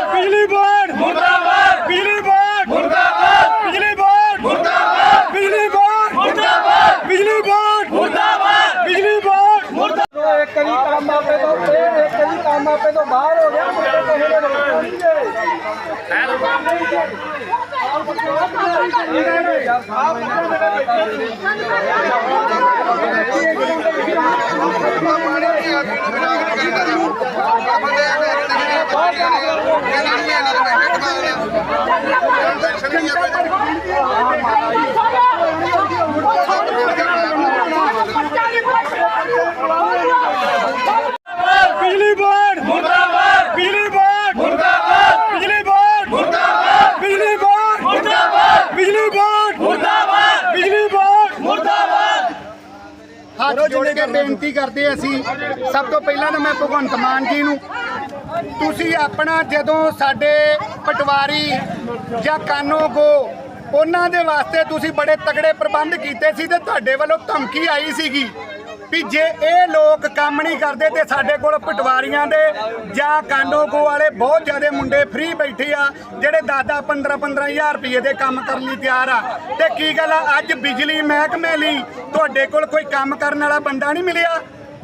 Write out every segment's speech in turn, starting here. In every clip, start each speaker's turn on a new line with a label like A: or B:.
A: बिजली बोर्ड मुर्दाबाद, बिजली बोर्ड मुर्दाबाद, बिजली बोर्ड मुर्दाबाद, बिजली बोर्ड मुर्दाबाद, बिजली बोर्ड मुर्दाबाद, बिजली बोर्ड मुर्दाबाद।
B: एक कभी काम आपे तो एक कभी काम आपे तो बाहर हो गया मुझे तो
A: बिजली बोर्ड मुर्दाबाद, बिजली बोर्ड मुर्दाबाद, बिजली बोर्ड मुर्दाबाद, बिजली बोर्ड मुर्दाबाद, बिजली बोर्ड मुर्दाबाद, बिजली बोर्ड मुर्दाबाद।
C: ਹੱਥ ਜੋੜ ਕੇ ਬੇਨਤੀ ਕਰਦੇ ਅਸੀਂ ਸਭ ਤੋਂ ਪਹਿਲਾਂ ਤਾਂ ਮੈਂ ਭਗਵੰਤ ਮਾਨ ਜੀ ਨੂੰ ਤੁਸੀਂ ਆਪਣਾ ਜਦੋਂ ਸਾਡੇ ਪਟਵਾਰੀ ਜਾਂ ਕਾਨੂੰਗੋ ਉਹਨਾਂ ਦੇ ਵਾਸਤੇ ਤੁਸੀਂ ਬੜੇ ਤਗੜੇ ਪ੍ਰਬੰਧ ਕੀਤੇ ਸੀ ਤੇ ਤੁਹਾਡੇ ਵੱਲੋਂ ਧਮਕੀ ਆਈ ਸੀਗੀ ਵੀ ਜੇ ਇਹ ਲੋਕ ਕੰਮ ਨਹੀਂ ਕਰਦੇ ਤੇ ਸਾਡੇ ਕੋਲ ਪਟਵਾਰੀਆਂ ਦੇ ਜਾਂ ਕਾਨੂੰਗੋ ਵਾਲੇ ਬਹੁਤ ਜ਼ਿਆਦਾ ਮੁੰਡੇ ਫ੍ਰੀ ਬੈਠੇ ਆ ਜਿਹੜੇ 10-10 15-15 ਹਜ਼ਾਰ ਰੁਪਏ ਦੇ ਕੰਮ ਕਰਨ ਲਈ ਤਿਆਰ ਆ ਤੇ ਕੀ ਗੱਲ ਆ ਅੱਜ ਬਿਜਲੀ ਮਹਿਕਮੇ ਲਈ ਤੁਹਾਡੇ ਕੋਲ ਕੋਈ ਕੰਮ ਕਰਨ ਵਾਲਾ ਬੰਦਾ ਨਹੀਂ ਮਿਲਿਆ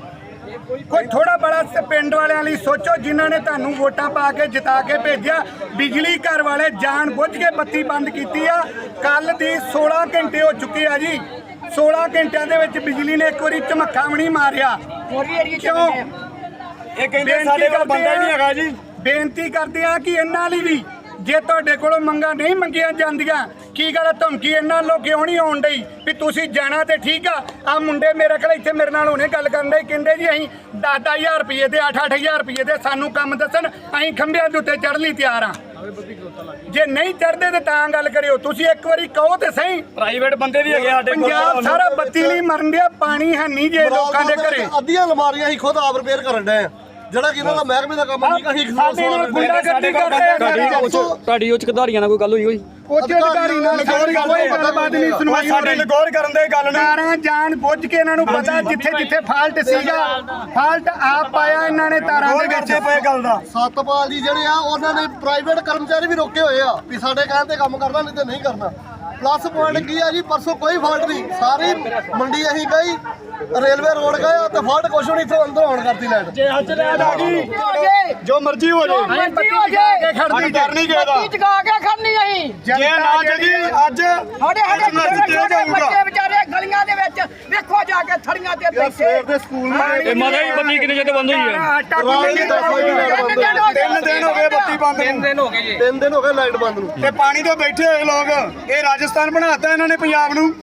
C: ਕੋਈ ਥੋੜਾ ਬੜਾ ਪਿੰਡ ਵਾਲਿਆਂ ਲਈ ਸੋਚੋ ਜਿਨ੍ਹਾਂ ਨੇ ਤੁਹਾਨੂੰ ਵੋਟਾਂ ਪਾ ਕੇ ਜਿਤਾ ਕੇ ਭੇਜਿਆ ਬਿਜਲੀ ਘਰ ਵਾਲੇ ਜਾਣ ਬੁੱਝ ਕੇ ਬੱਤੀ ਬੰਦ ਕੀਤੀ ਆ ਕੱਲ ਦੀ 16 ਘੰਟੇ ਹੋ ਚੁੱਕੇ ਆ ਜੀ 16 ਘੰਟਿਆਂ ਦੇ ਵਿੱਚ ਬਿਜਲੀ ਨੇ ਇੱਕ ਵਾਰੀ ਝਮੱਖਾ ਵੀ ਨਹੀਂ ਮਾਰਿਆ ਕਿਉਂ
A: ਇਹ ਕਹਿੰਦੇ ਸਾਡੇ ਕੋਲ ਬੰਦਾ ਹੀ ਨਹੀਂ ਹੈਗਾ ਜੀ।
C: ਬੇਨਤੀ ਕਰਦੇ ਆ ਕਿ ਇਹਨਾਂ ਲਈ ਵੀ ਜੇ ਤੁਹਾਡੇ ਕੋਲੋਂ ਮੰਗਾਂ ਨਹੀਂ ਮੰਗੀਆਂ ਜਾਂਦੀਆਂ ਕੀ ਗੱਲ ਧਮਕੀ ਇਹਨਾਂ ਲੋਕ ਕਿਉਂ ਨਹੀਂ ਆਉਣ ਡਈ ਵੀ ਤੁਸੀਂ ਜਾਣਾ ਤੇ ਠੀਕ ਆ ਮੁੰਡੇ ਮੇਰੇ ਕੋਲ ਇੱਥੇ ਮੇਰੇ ਨਾਲ ਹੁਣੇ ਗੱਲ ਕਰਨ ਦੇ ਕਹਿੰਦੇ ਜੀ ਅਸੀਂ 10-10 ਰੁਪਏ ਦੇ 8-8 ਰੁਪਏ ਦੇ ਸਾਨੂੰ ਕੰਮ ਦੱਸਣ ਅਸੀਂ ਖੰਭਿਆਂ ਦੇ ਉੱਤੇ ਚੜ੍ਹਨ ਲਈ ਤਿਆਰ ਆ ਜੇ ਨਹੀਂ ਚੜ੍ਹਦੇ ਤੇ ਤਾਂ ਗੱਲ ਕਰਿਓ ਤੁਸੀਂ ਇੱਕ ਵਾਰੀ ਕਹੋ ਤੇ ਸਹੀ
A: ਪ੍ਰਾਈਵੇਟ ਬੰਦੇ ਵੀ ਹੈਗੇ ਸਾਡੇ ਕੋਲ
C: ਪੰਜਾਬ ਸਾਰਾ ਬੱਤੀ ਲਈ ਮਰਨ ਡਿਆ ਪਾਣੀ ਹੈ ਨਹੀਂ ਜੇ ਲੋਕਾਂ ਦੇ ਘਰੇ
D: ਅੱਧੀਆਂ ਅਲਮਾਰੀਆਂ ਹੀ ਖੁਦ ਆਪ ਰਿਪੇਅਰ ਕਰਨ ਡਏ ਆ ਜਿਹੜਾ ਕਿ ਇਹਨਾਂ ਦਾ ਮਹਿਕਮੇ ਦਾ ਕੰਮ ਨਹੀਂ ਕਹੀ
C: ਸਾਡੇ ਨਾਲ ਗੁੰਡਾਗਰਦੀ ਕਰਦੇ ਆ
E: ਤੁਹਾਡੀ ਉੱਚ ਅਧਿਕਾਰੀਆਂ ਨਾਲ ਕੋਈ ਗੱਲ ਹੋਈ
C: ਉੱਚ ਅਧਿਕਾਰੀ ਨਾਲ ਕੋਈ ਗੱਲਬਾਤ ਨਹੀਂ ਸੁਣਵਾਈ ਹੋ
A: ਸਾਡੇ
C: ਰਹੀ
A: ਲਗੌਰ ਕਰਨ ਦੇ ਗੱਲ ਨਹੀਂ
C: ਤਾਰਾਂ ਜਾਣ ਬੁੱਝ ਕੇ ਇਹਨਾਂ ਨੂੰ ਪਤਾ ਜਿੱਥੇ ਫਾਲਟ ਸੀਗਾ ਫਾਲਟ ਆਪ ਪਾਇਆ ਇਹਨਾਂ ਨੇ ਤਾਰਾਂ ਦੇ ਵਿੱਚ
A: ਪਏ ਗੱਲ ਦਾ
D: ਸਤਪਾਲ ਜੀ ਜਿਹੜੇ ਆ ਉਹਨਾਂ ਨੇ ਪ੍ਰਾਈਵੇਟ ਕਰਮਚਾਰੀ ਵੀ ਰੋਕੇ ਹੋਏ ਆ ਵੀ ਸਾਡੇ ਕਹਿਣ ਤੇ ਕੰਮ ਕਰਨਾ ਨਹੀਂ ਤੇ ਨਹੀਂ ਕਰਨਾ ਪਲੱਸ ਪੁਆਇੰਟ ਕੀ ਆ ਜੀ ਪਰਸੋਂ ਕੋਈ ਫਾਲਟ ਨਹੀਂ ਸਾਰੀ ਮੰਡੀ ਅਸੀਂ ਗਈ ਰੇਲਵੇ ਰੋਡ ਗਏ ਤੇ ਫਾਲਟ ਕੁਛ ਨਹੀਂ ਇੱਥੋਂ ਅੰਦਰ ਆਉਣ ਕਰਤੀ ਲਾਈਟ
A: ਜੇ ਅੱਜ ਲੈਟ ਆ ਗਈ ਜੋ ਮਰਜ਼ੀ ਹੋ ਜਾਏ
C: ਖੜਦੀ
A: ਕਰਨੀ ਕਿਹਦਾ
B: ਚਕਾ ਕੇ ਖੜਨੀ ਅਸੀਂ
A: ਜੇ ਨਾ ਜਗੀ ਅੱਜ
B: ਬੱਚੇ ਵਿਚਾਰੇ ਗਲੀਆਂ ਦੇ ਵਿੱਚ ਵੇਖੋ ਜਾ ਕੇ ਥੜੀਆਂ ਤੇ ਬੈਠੇ
D: ਸਵੇਰ ਦੇ ਸਕੂਲ
E: ਇਹ ਮਾਤਾ ਜੀ ਬੱਤੀ ਕਿੰਨੇ ਚਿਰ ਤੋਂ ਬੰਦ ਹੋਈ ਹੈ?
A: 3 ਦਿਨ ਹੋ ਗਏ ਬੱਤੀ ਬੰਦ ਨੂੰ
D: 3 ਦਿਨ ਹੋ ਗਏ ਲਾਈਟ ਬੰਦ ਨੂੰ
A: ਤੇ ਪਾਣੀ ਤੋਂ ਬੈਠੇ ਹੋਏ ਲੋਕ ਇਹ ਰਾਜਸਥਾਨ ਬਣਾਤਾ ਇਹਨਾਂ ਨੇ ਪੰਜਾਬ ਨੂੰ।